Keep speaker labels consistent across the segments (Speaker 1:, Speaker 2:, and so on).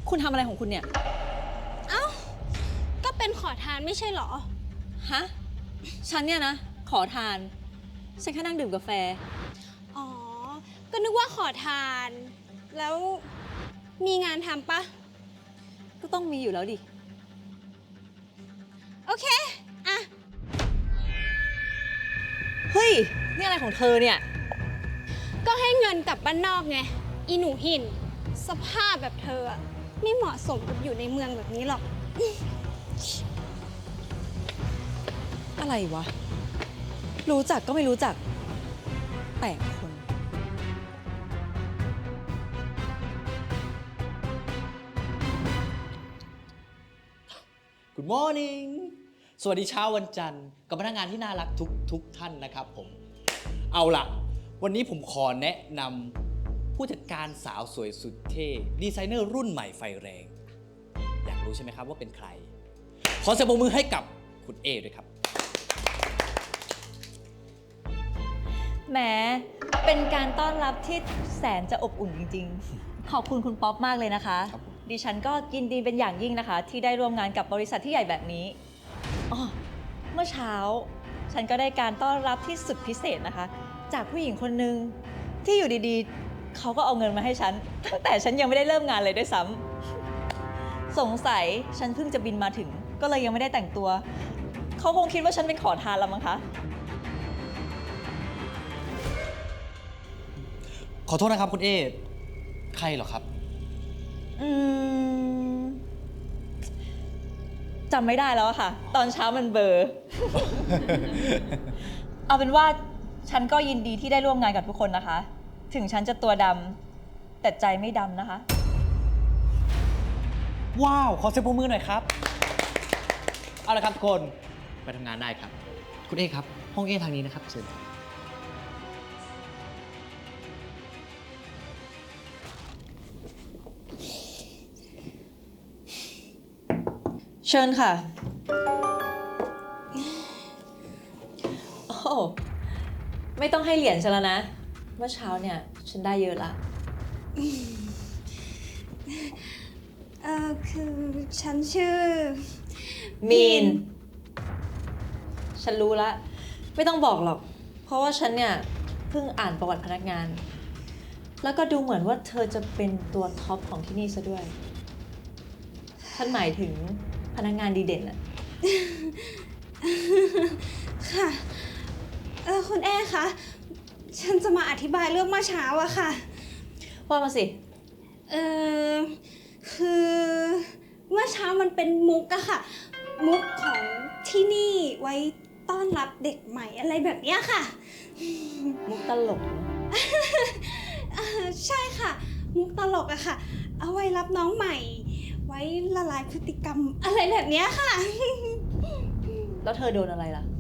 Speaker 1: คุณทำอะไรของคุณเนี่ย
Speaker 2: เอ้าก็เป็นขอทานไม่ใช่เหรอ
Speaker 1: ฮะ ฉันเนี่ยนะ ขอทาน ฉันแค่นั่งดื่มกาแฟ
Speaker 2: อ๋อก็นึกว่าขอทาน แล้วมีงานทำปะ
Speaker 1: ก็ต้องมีอยู่แล้วดิ
Speaker 2: โอเคอะ
Speaker 1: เฮ้ย นี่อะไรของเธอเนี่ย
Speaker 2: ก็ให้เงินกลับบ้านนอกไงอีหนูหินสภาพแบบเธออะไม่เหมาะสมกับอยู่ในเมืองแบบนี้หรอก
Speaker 1: อะไรวะ รู้จักก็ไม่รู้จักแปลกคน
Speaker 3: Good morning สวัสดีเช้าวันจันทร์กับพนักงานที่น่ารักทุกท่านนะครับผม เอาล่ะ วันนี้ผมขอแนะนำผู้จัดการสาวสวยสุดเท่ดีไซเนอร์รุ่นใหม่ไฟแรง อยากรู้ใช่ไหมครับว่าเป็นใคร ขอเสียงปรบมือให้กับคุณเอด้วยครับ
Speaker 1: แหม เป็นการต้อนรับที่แสนจะอบอุ่นจริงๆ ขอบคุณคุณป๊อปมากเลยนะคะ
Speaker 3: ครับผม
Speaker 1: ดิฉันก็ยินดีเป็นอย่างยิ่งนะคะ ที่ได้ร่วมงานกับบริษัทที่ใหญ่แบบนี้อ๋อเมื่อเช้า ฉันก็ได้การต้อนรับที่สุดพิเศษนะคะ จากผู้หญิงคนหนึ่งที่อยู่ดีๆ เขาก็เอาเงินมาให้ฉัน ตั้งแต่ฉันยังไม่ได้เริ่มงานเลยด้วยซ้ำสงสัยฉันเพิ่งจะบินมาถึง ก็เลยยังไม่ได้แต่งตัว เขาคงคิดว่าฉันเป็นขอทานแล้วมั้งคะ
Speaker 3: ขอโทษนะครับคุณเอ ใครเหรอครับ
Speaker 1: อืมจำไม่ได้แล้วอะค่ะ ตอนเช้ามันเบลอ เอาเป็นว่าฉันก็ยินดีที่ได้ร่วมงานกับทุกคนนะคะ ถึงฉันจะตัวดำแต่ใจไม่ดำนะคะ
Speaker 3: ว้าว ขอเสียงปรบมือหน่อยครับ เอาละครับทุกคนไปทำงานได้ครับ คุณเอครับ ห้องเอทางนี้นะครับเชิญครับ
Speaker 1: เชิญค่ะ โอ้ไม่ต้องให้เหรียญฉันแล้วนะ เมื่อเช้าเนี่ย ฉันได้เยอะละ
Speaker 2: คือฉันชื่อ
Speaker 1: มีน ฉันรู้ละ ไม่ต้องบอกหรอก เพราะว่าฉันเนี่ยเพิ่งอ่านประวัติพนักงาน แล้วก็ดูเหมือนว่าเธอจะเป็นตัวท็อปของที่นี่ซะด้วย ฉันหมายถึงพนักงานดีเด่นอะ
Speaker 2: ค่ะ คุณแอ้คะ ฉันจะมาอธิบายเรื่องเมื่อเช้าอะค่ะ
Speaker 1: ว่ามาสิ
Speaker 2: คือเมื่อเช้ามันเป็นมุกอะค่ะ มุกของที่นี่ไว้ต้อนรับเด็กใหม่อะไรแบบเนี้ยค่ะ
Speaker 1: มุกตลกนะ
Speaker 2: ใช่ค่ะ มุกตลกอะค่ะ เอาไว้รับน้องใหม่ ไว้ละลายพฤติกรรมอะไรแบบเนี้ยค่ะ
Speaker 1: แล้วเธอโดนอะไรล่ะ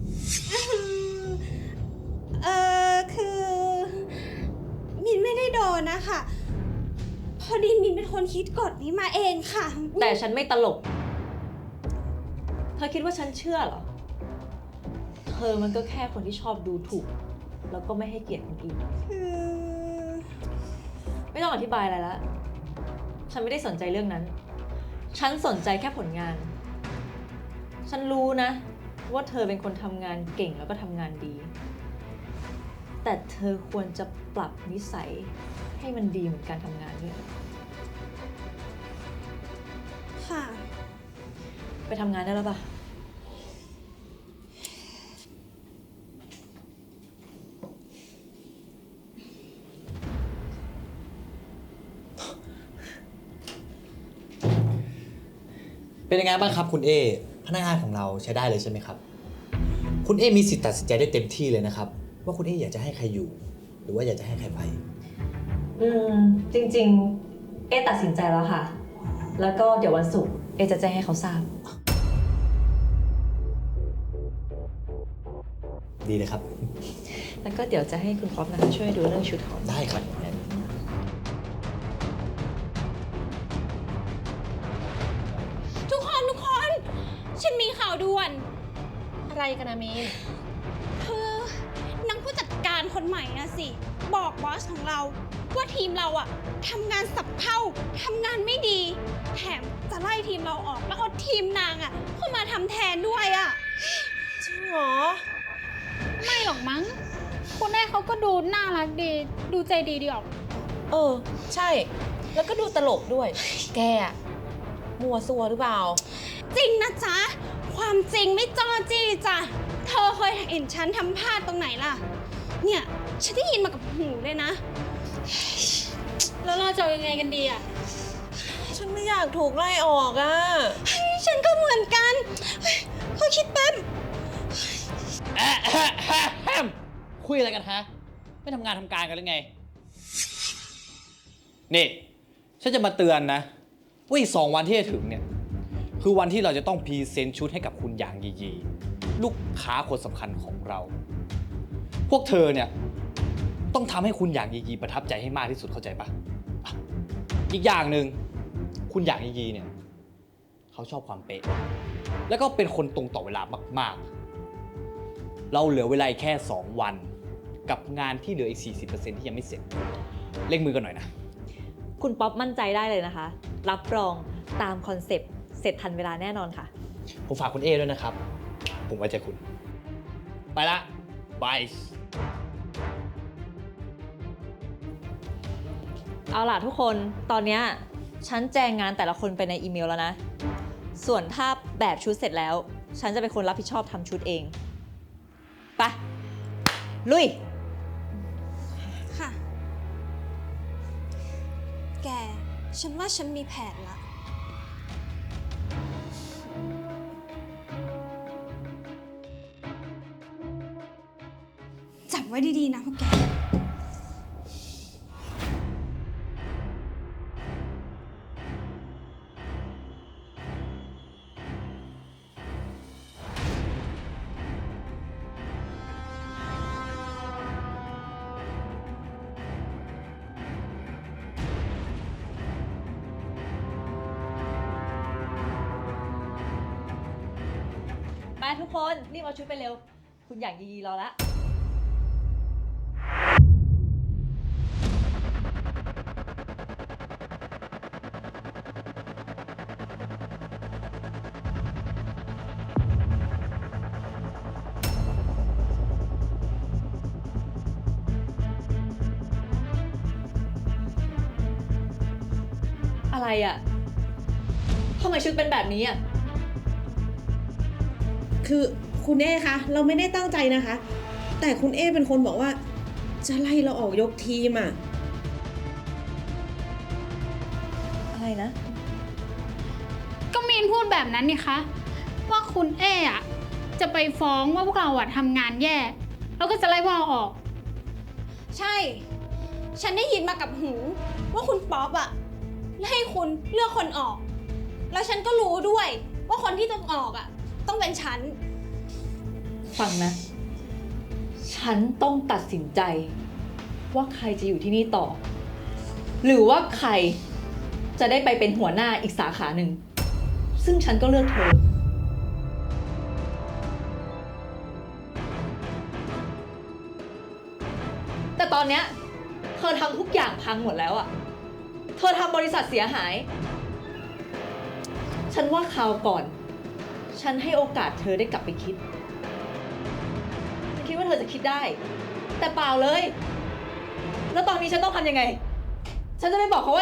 Speaker 2: คือมินไม่ได้โดนนะคะ พอดีมินเป็นคนคิดกฎนี้มาเองค่ะ
Speaker 1: แต่ฉันไม่ตลก เธอคิดว่าฉันเชื่อเหรอ เธอมันก็แค่คนที่ชอบดูถูก แล้วก็ไม่ให้เกียรติคนอื่น
Speaker 2: คือ
Speaker 1: ไม่ต้องอธิบายอะไรละ ฉันไม่ได้สนใจเรื่องนั้น ฉันสนใจแค่ผลงาน ฉันรู้นะ ว่าเธอเป็นคนทำงานเก่งแล้วก็ทำงานดี แต่เธอควรจะปรับนิสัยให้มันดีเหมือนการทำงานด้วย
Speaker 2: ค่ะ
Speaker 1: ไปทำงานได้แล้วปะ
Speaker 3: เป็นยังไงบ้างครับคุณเอ พนักงานของเราใช้ได้เลยใช่ไหมครับ คุณเอมีสิทธิ์ตัดสินใจได้เต็มที่เลยนะครับ ว่าคุณเออยากจะให้ใครอยู่ หรือว่าอยากจะให้ใครไป
Speaker 1: จริงๆ เอตัดสินใจแล้วค่ะ แล้วก็เดี๋ยววันศุกร์เอจะแจ้งให้เขาทราบ
Speaker 3: ดีเลยครับ
Speaker 1: แล้วก็เดี๋ยวจะให้คุณป๊อปนะคะช่วยดูเรื่องชุดของ
Speaker 3: ได้ครับ
Speaker 2: ทุกคน ฉันมีข่าวด่วน
Speaker 4: อะไรกันนะมีน
Speaker 2: คือนางผู้จัดการคนใหม่นะสิ บอกบอสของเราว่าทีมเราอะทำงานสับเพร่าทำงานไม่ดี แถมจะไล่ทีมเราออกแล้วเอาทีมนางอะเข้ามาทำแทนด้วยอะ
Speaker 4: จริงเหรอ
Speaker 5: ไม่หรอกมั้งคุณแม่เขาก็ดูน่ารักดี ดูใจดีออก
Speaker 4: เออ ใช่ แล้วก็ดูตลกด้วย แกอะมัวซัวหรือเปล่า
Speaker 2: จริงนะจ๊ะ ความจริงไม่จ้อจี้จ้ะ เธอเคยเห็นฉันทำพลาดตรงไหนล่ะ เนี่ยฉันได้ยินมากับหูเลยนะ
Speaker 5: แล้วเราจะยังไงกันดีอ่ะ
Speaker 4: ฉันไม่อยากถูกไล่ออกอ่ะ
Speaker 2: ฉันก็เหมือนกันเฮ้ยขอคิดแป๊บ
Speaker 3: คุยอะไรกันฮะ ไม่ทำงานทำการกันหรือไง นี่ ฉันจะมาเตือนนะว่าอีก2 วันที่จะถึงเนี่ย คือวันที่เราจะต้องพรีเซนต์ชุดให้กับคุณหยางยียีลูกค้าคนสำคัญของเรา พวกเธอเนี่ย ต้องทำให้คุณหยางยียีประทับใจให้มากที่สุดเข้าใจปะอ่ะอีกอย่างหนึ่งคุณหยางยียีเนี่ยเขาชอบความเป๊ะ แล้วก็เป็นคนตรงต่อเวลามากๆ เราเหลือเวลาแค่ 2 วัน กับงานที่เหลืออีก 40% ที่ยังไม่เสร็จ เร่งมือกันหน่อยนะ
Speaker 1: คุณป๊อปมั่นใจได้เลยนะคะ รับรองตามคอนเซปต์เสร็จทันเวลาแน่นอนค่ะ
Speaker 3: ผมฝากคุณเอด้วยนะครับ ผมไว้ใจคุณ ไปละบาย
Speaker 1: เอาล่ะทุกคนตอนเนี้ยฉันแจงงานแต่ละคนไปในอีเมลแล้วนะ ส่วนถ้าแบบชุดเสร็จแล้ว ฉันจะเป็นคนรับผิดชอบทำชุดเอง ไป ลุย
Speaker 2: ค่ะ แก ฉันว่าฉันมีแผนละ จับไว้ดีๆนะพวกแก
Speaker 1: ไปทุกคนรีบเอาชุดไปเร็ว คุณอย่างยีรอละ อะไรอะทำไมชุดเป็นแบบนี้อะ
Speaker 6: คือคุณเอคะเราไม่ได้ตั้งใจนะคะ แต่คุณเอเป็นคนบอกว่าจะไล่เราออกยกทีมอ่ะ
Speaker 1: อะไรนะ
Speaker 5: ก็มีนพูดแบบนั้นนี่คะ ว่าคุณเออะจะไปฟ้องว่าพวกเราอะทำงานแย่ แล้วก็จะไล่พวกเราออก
Speaker 2: ใช่ ฉันได้ยินมากับหู ว่าคุณป๊อปอะให้คุณเลือกคนออก แล้วฉันก็รู้ด้วย ว่าคนที่ต้องออกอะต้องเป็นฉัน
Speaker 1: ฟังนะ ฉันต้องตัดสินใจ ว่าใครจะอยู่ที่นี่ต่อ หรือว่าใครจะได้ไปเป็นหัวหน้าอีกสาขาหนึ่ง ซึ่งฉันก็เลือกเธอ แต่ตอนเนี้ยเธอทำทุกอย่างพังหมดแล้วอะเธอทำบริษัทเสียหาย ฉันว่าคราวก่อน ฉันให้โอกาสเธอได้กลับไปคิด คิดว่าเธอจะคิดได้ แต่เปล่าเลย แล้วตอนนี้ฉันต้องทำยังไง ฉันจะไม่บอกเขาว่า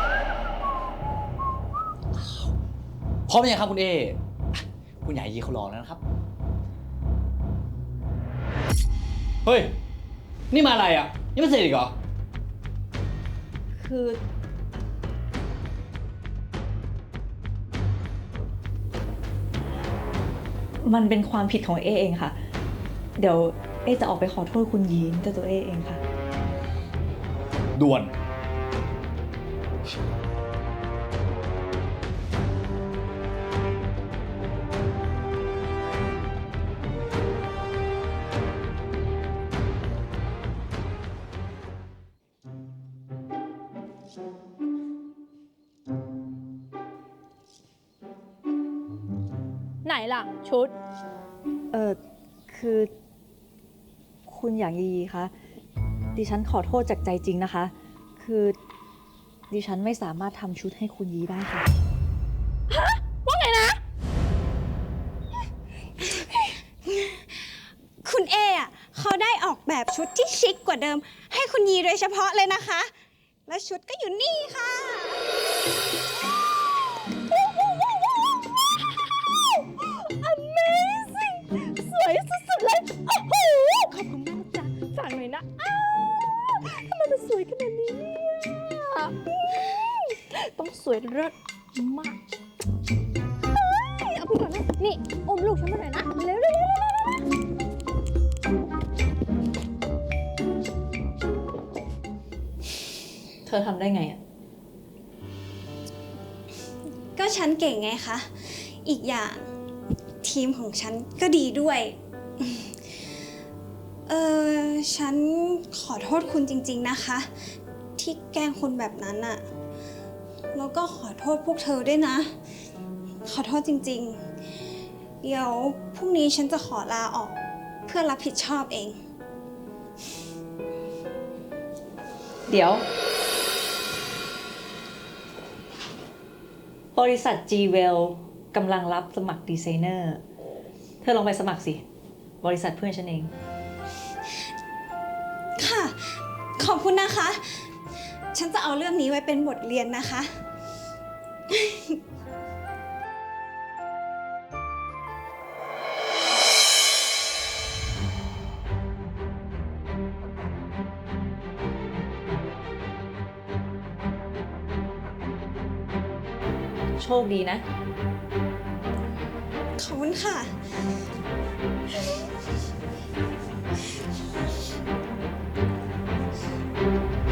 Speaker 3: พร้อมยังครับคุณเอ คุณใหญ่ยีเขารอแล้วนะครับ เฮ้ย นี่มาอะไรอ่ะ นี่ไม่เสร็จอีกเหรอ
Speaker 1: คือ มันเป็นความผิดของเอเองค่ะ เดี๋ยวเอจะออกไปขอโทษคุณยีนด้วยตัวเอเองค่ะ
Speaker 3: ด่วน
Speaker 5: ไหนล่ะ ชุด
Speaker 1: คือ คุณอย่างยีคะ ดิฉันขอโทษจากใจจริงนะคะคือดิฉันไม่สามารถทำชุดให้คุณยีได้ค่ะ
Speaker 2: คุณเออะเขาได้ออกแบบชุดที่ชิคกว่าเดิม ให้คุณยีโดยเฉพาะเลยนะคะ และชุดก็อยู่นี่ค่ะ
Speaker 7: Amazing สวยสุดๆเลย โอ้โห ขอบคุณมากจ้ะฝากหน่อยนะทำไมมันสวยขนาดนี้เนี่ยต้องสวยเลิศมากเฮ้ยเอาพี่ก่อนนะ นี่อมลูกฉันมาหน่อยนะ เร็ว
Speaker 1: เธอทำได้ไงอะ
Speaker 2: ก็ฉันเก่งไงคะ อีกอย่างทีมของฉันก็ดีด้วย ฉันขอโทษคุณจริงๆนะคะ ที่แกล้งคุณแบบนั้นอะแล้วก็ขอโทษพวกเธอด้วยนะ ขอโทษจริงๆ เดี๋ยวพรุ่งนี้ฉันจะขอลาออกเพื่อรับผิดชอบเอง
Speaker 1: เดี๋ยว บริษัท G-Well กำลังรับสมัครดีไซเนอร์ เธอลองไปสมัครสิ บริษัทเพื่อนฉันเอง
Speaker 2: ค่ะ ขอบคุณนะคะ ฉันจะเอาเรื่องนี้ไว้เป็นบทเรียนนะคะ
Speaker 1: โชคดีนะ
Speaker 2: ขอบคุณค่ะ